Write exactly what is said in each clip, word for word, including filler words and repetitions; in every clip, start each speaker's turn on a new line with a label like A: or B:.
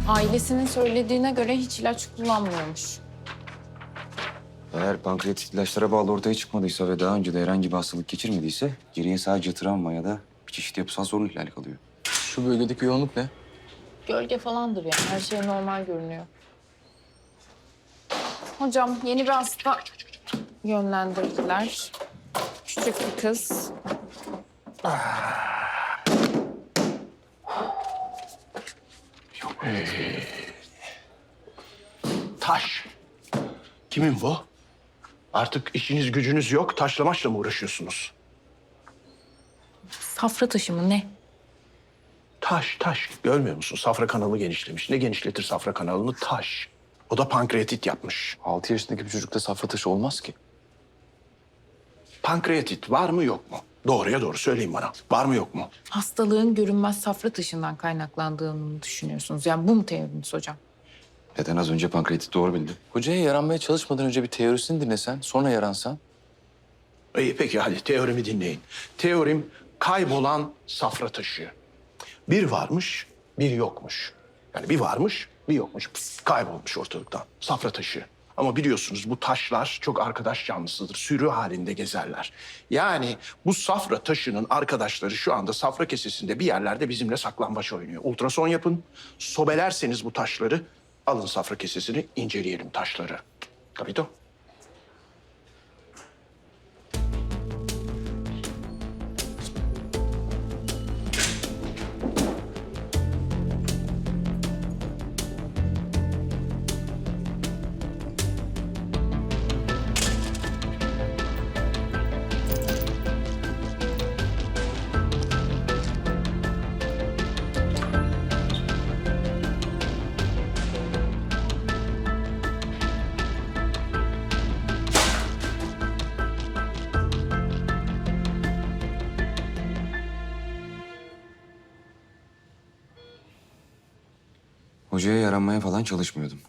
A: Ailesinin söylediğine göre hiç ilaç kullanmıyormuş.
B: Eğer pankreatit ilaçlara bağlı ortaya çıkmadıysa ve daha önce de herhangi bir hastalık geçirmediyse geriye sadece travma ya da bir çeşit yapısal sorun ihlali kalıyor.
C: Şu bölgedeki yoğunluk ne?
A: Gölge falandır yani. Her şey normal görünüyor. Hocam yeni bir hasta yönlendirdiler. Küçük bir kız.
D: Taş. Kimin bu? Artık işiniz gücünüz yok, taşlamaçla mı uğraşıyorsunuz?
A: Safra taşı mı ne?
D: Taş, taş. Görmüyor musun? Safra kanalı genişlemiş. Ne genişletir safra kanalını? Taş. O da pankreatit yapmış.
C: Altı yaşındaki bir çocukta safra taşı olmaz ki.
D: Pankreatit var mı yok mu? Doğruya doğru söyleyin bana. Var mı yok mu?
A: Hastalığın görünmez safra taşından kaynaklandığını düşünüyorsunuz. Yani bu mu teoriniz hocam?
B: Neden az önce pankreatit doğru bildi?
C: Hocaya yaranmaya çalışmadan önce bir teorisini dinlesen, sonra yaransan.
D: İyi peki hadi teorimi dinleyin. Teorim kaybolan safra taşı. Bir varmış, bir yokmuş. Yani bir varmış, bir yokmuş. Pıs, kaybolmuş ortalıktan. Safra taşı. Ama biliyorsunuz bu taşlar çok arkadaş canlısıdır. Sürü halinde gezerler. Yani bu safra taşının arkadaşları şu anda safra kesesinde bir yerlerde bizimle saklambaç oynuyor. Ultrason yapın. Sobelerseniz bu taşları alın safra kesesini inceleyelim taşları. Capito?
B: Hocaya yaranmaya falan çalışmıyordum.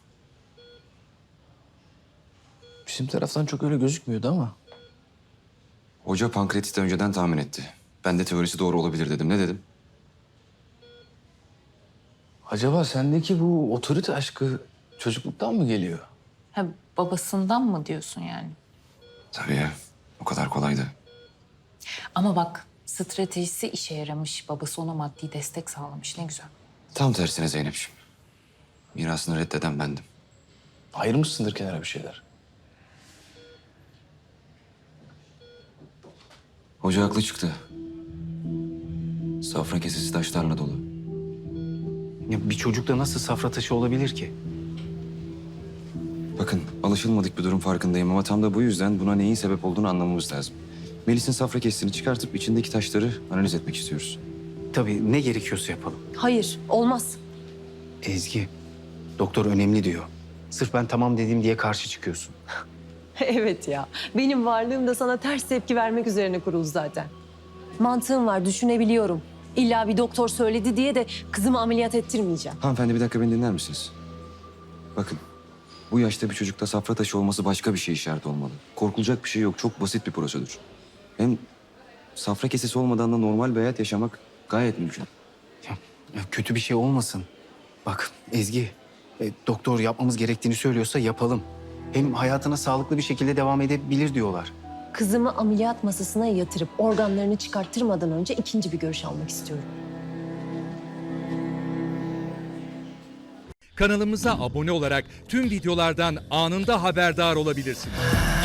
C: Bizim taraftan çok öyle gözükmüyordu ama.
B: Hoca pankreatiti önceden tahmin etti. Ben de teorisi doğru olabilir dedim. Ne dedim?
C: Acaba sendeki bu otorite aşkı çocukluktan mı geliyor?
A: Ha, babasından mı diyorsun yani?
B: Tabii ya. O kadar kolaydı.
A: Ama bak stratejisi işe yaramış. Babası ona maddi destek sağlamış. Ne güzel.
B: Tam tersine Zeynep'ciğim. Mirasını reddeden bendim.
C: Ayırmışsındır kenara bir şeyler.
B: Hoca haklı çıktı. Safra kesesi taşlarla dolu.
E: Ya bir çocukta nasıl safra taşı olabilir ki?
B: Bakın alışılmadık bir durum farkındayım ama tam da bu yüzden buna neyin sebep olduğunu anlamamız lazım. Melis'in safra kesesini çıkartıp içindeki taşları analiz etmek istiyoruz.
E: Tabii ne gerekiyorsa yapalım.
F: Hayır, olmaz.
E: Ezgi, doktor önemli diyor. Sırf ben tamam dediğim diye karşı çıkıyorsun.
F: Evet ya, benim varlığım da sana ters tepki vermek üzerine kuruldu zaten. Mantığım var, düşünebiliyorum. İlla bir doktor söyledi diye de kızımı ameliyat ettirmeyeceğim.
B: Hanımefendi bir dakika beni dinler misiniz? Bakın bu yaşta bir çocukta safra taşı olması başka bir şey işareti olmalı. Korkulacak bir şey yok. Çok basit bir prosedür. Hem safra kesesi olmadan da normal bir hayat yaşamak gayet mümkün.
E: Ya, ya kötü bir şey olmasın. Bak Ezgi, e, doktor yapmamız gerektiğini söylüyorsa yapalım. Hem hayatına sağlıklı bir şekilde devam edebilir diyorlar.
F: Kızımı ameliyat masasına yatırıp organlarını çıkarttırmadan önce ikinci bir görüş almak istiyorum.
G: Kanalımıza abone olarak tüm videolardan anında haberdar olabilirsiniz.